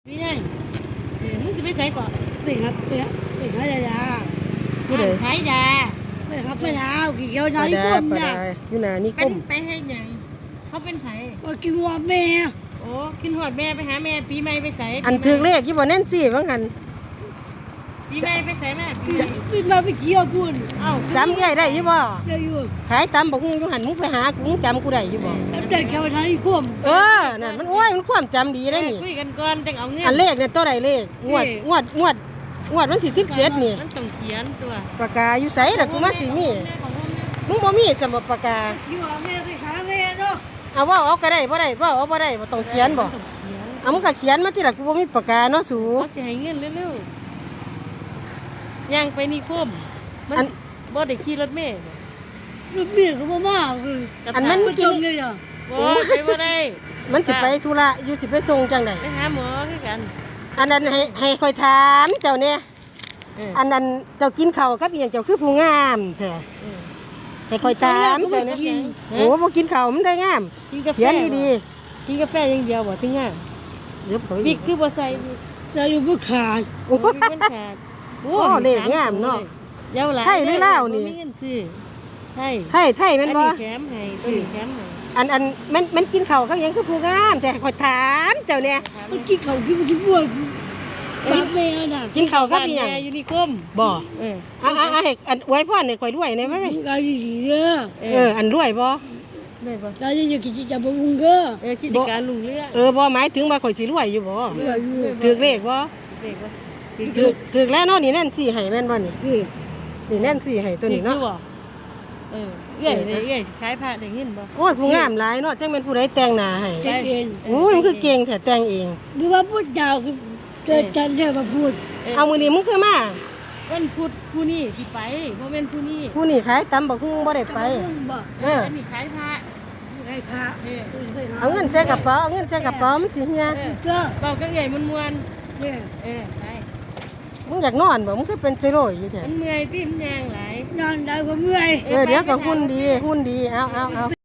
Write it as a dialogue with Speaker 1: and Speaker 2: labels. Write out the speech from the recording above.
Speaker 1: นี่ไงมึงจะไปใส่ก่อน
Speaker 2: ไปครับไปหายา
Speaker 3: ผู้ใด
Speaker 1: ขายยา
Speaker 2: ไปครับไปดาวกี่เกี่ยว
Speaker 3: ป
Speaker 2: นา
Speaker 3: ลา
Speaker 2: ฬิ
Speaker 3: ดาก
Speaker 2: ม
Speaker 3: ปลา
Speaker 2: เนี่ย
Speaker 3: ดาอยู่หน้านิค
Speaker 1: เป็น
Speaker 3: ม
Speaker 1: ไปให้หยังเขาเป็นไผ
Speaker 2: ก็กินว่าแม่
Speaker 1: โอ้ขึ้นหอดแม่ไปหาแม่ปีใหม่ไปใส่
Speaker 3: อันถือเลขยี่บ่แน่นสิว่างั้น
Speaker 1: ปีใหม่ไปใส่แม่ปีใหม่
Speaker 2: กินมาไปเกี่ยวพูน
Speaker 1: เอ้า
Speaker 3: จำได้อยู่บ่
Speaker 2: เดี๋ยวอยู่
Speaker 3: ขายตำบักหุ่งอยู่หันมึงไปหากูมึงจำกูได้อยู่บ่
Speaker 2: เด็กเกี่ยวนาฬิกม
Speaker 3: เออนั่นมันโอ้ยมันความจำดีได้นี่
Speaker 1: คุยกันก่อนจังเอาเงิน
Speaker 3: อันเลขเนี่ยตัวใดเลขงวดวันที่17นี่
Speaker 1: มันต้องเขียนตัว
Speaker 3: ปากกาอยู่ไสล่ะกูมาสิมีมึงบ่มีสำหรับปากกา
Speaker 2: กินว่าแม่ไปหาแม่เนาะ
Speaker 3: เอาเว้าเอาก็ได้บ่ได้เว้าเอาบ่ได้บ่ต้องเขียนบ่เอามึงก็เขียนมาติล่ะกูบ่มีปากกาเนาะสู
Speaker 1: เขาจะให้เงินเร็วๆย่างไปนิคมมันบ่ได้ขี่รถเมล์
Speaker 2: ลูกเมียก็บ่มาคือ
Speaker 3: อันมัน
Speaker 2: ก็
Speaker 3: กิ
Speaker 2: จ
Speaker 3: น
Speaker 2: งเลยอ่ะ
Speaker 1: บ่ไปบ่ได้
Speaker 3: มันสิไปธุระอยู่สิไปส่งจังได๋
Speaker 1: ไปหาหมอคือกัน
Speaker 3: อันนั้นให้ค่อยถามเจ้าเนี่ยอันนั้นเจ้ากินข้าวกับอีหยังเจ้าคือผู้งามแท้ให้ค่อยถามเจ้าเนี่ยโอ้บ่กินข้าวมันได้งาม
Speaker 1: กินกาแฟ
Speaker 3: เขียนดี
Speaker 1: กินกาแฟอย่างเดียวบ่ถึงง่าย
Speaker 3: ๆเดี๋ยวผม
Speaker 1: บิ๊กคือบ่ใส่บิ๊ก
Speaker 2: จะอยู่บ่ขาด
Speaker 3: โอ้
Speaker 1: โอ้บิ๊กมันขาด
Speaker 3: โอ้เลขงามเนาะ
Speaker 1: เยาวหลาย
Speaker 3: ไทยหรือลาวนี่
Speaker 1: บ่มีเงินซื้อไทย
Speaker 3: ไทยแม่นบ่
Speaker 1: อัแถมให้ตัวนี้แถมให้
Speaker 3: อันมันกินข้าวกับหยังคือผู้งามแต่ให้ค่อยถามเจ้าเนี่ย
Speaker 2: มันกินเขากินบัวบ้าแม่น่ะ
Speaker 3: กินข้าวกับอีหยัง
Speaker 1: บ้านแม่อยู่นิคม
Speaker 3: บ่
Speaker 1: เออ
Speaker 3: ให้อันอวยพรให้ค่อยรวยได้ไหม
Speaker 2: มึงก็ดีๆเด้อ
Speaker 3: อันรวยบ่
Speaker 1: ได้บ่
Speaker 2: ตาจะกินจะบ่มึงเด้อ
Speaker 1: กิจการลุงเรือง
Speaker 3: บ่หมายถึงว่าข่อยสิรวยอยู่บ่
Speaker 2: เด้ออยู่
Speaker 3: ถูกเลขบ่
Speaker 1: เด็กบ่
Speaker 3: ถูกแล้วเนาะนี่แน่นสิให้แม่นบ่นี่
Speaker 2: คือ
Speaker 3: นี่แน่นสิให้ตัวนี้เนาะ
Speaker 1: ถูกบ่เออเอ้ยได้เอ้ยขายผ้าได้เงินบ่
Speaker 3: โอ้ยผู้งามหลายเนาะจังเป็นผู้ใดแต่งหน้าให้
Speaker 2: เอง
Speaker 3: โอ้ยมันคือเก่งแท้แต่งเอง
Speaker 2: หรือว่าพูดยาวเจอจันเด้อมาพูด
Speaker 3: เอามื้อนี้มึงคือมา
Speaker 1: วันพุธผู้นี้สิไปบ่แม่นผู้นี้
Speaker 3: ผู้นี่ขายตำบักหุ่งบ่ได้ไป
Speaker 2: บ่
Speaker 1: อันนี้ขายผ้า
Speaker 2: ให้พระ
Speaker 1: เออ
Speaker 3: เอาเงินใส่กระเป๋าเอาเงินใส่กระเป๋ามันสิเฮีย
Speaker 2: เจ้า
Speaker 1: เบาก็ใหญ่มวน
Speaker 2: เนี่ย
Speaker 1: ๆเออใช่
Speaker 3: มึงอยากนอนบ่มึงคือเป็นจิโร่อยู่แท้
Speaker 1: มันเมื่อยติ้มยางหลาย
Speaker 2: นอนได้ก็เมื่อย
Speaker 3: เดี๋ยวก็หุ่นดีเอา